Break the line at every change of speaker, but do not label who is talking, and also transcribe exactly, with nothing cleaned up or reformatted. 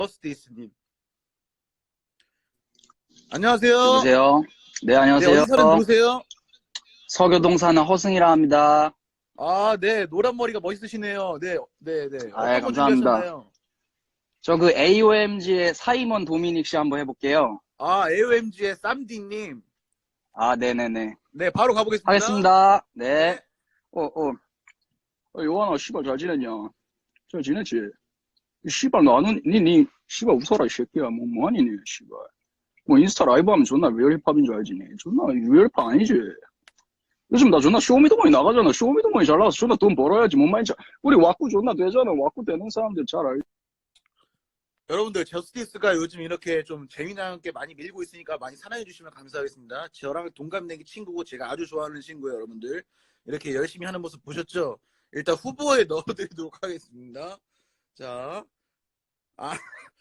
버스데이스님. 안녕하세요.
여보세요? 네,
네,
안녕하세요.
어디 사는 누구세요?
서교동 사는 허승이라 합니다.
아, 네, 노란 머리가 멋있으시네요. 네, 네, 네.
아,
어떤 거
감사합니다.
준비하셨나요?
저 그 에이오엠지의 사이먼 도미닉 씨 한번 해볼게요.
아, 에이오엠지의 쌈디님.
아, 네네네.
네, 바로 가보겠습니다.
하겠습니다. 네.
네.
어, 어. 어, 요한아, 씨발, 잘 지냈냐? 잘 지냈지? 이 씨발, 나는, 니, 니, 씨발, 웃어라, 이 새끼야. 뭐, 뭐하니, 니, 씨발. 뭐, 인스타 라이브 하면 존나 리얼 힙합인 줄 알지, 니. 존나 리얼 힙합 아니지. 요즘 나 존나 쇼미더머니 나가잖아. 쇼미더머니 잘 나가서 존나 돈 벌어야지. 뭔 말인지. 우리 왁구 존나 되잖아. 왁구 되는 사람들 잘 알지.
여러분들, 저스티스가 요즘 이렇게 좀 재미난 게 많이 밀고 있으니까 많이 사랑해주시면 감사하겠습니다. 저랑 동갑내기 친구고 제가 아주 좋아하는 친구예요, 여러분들. 이렇게 열심히 하는 모습 보셨죠? 일단 후보에 넣어드리도록 하겠습니다. 자, 아,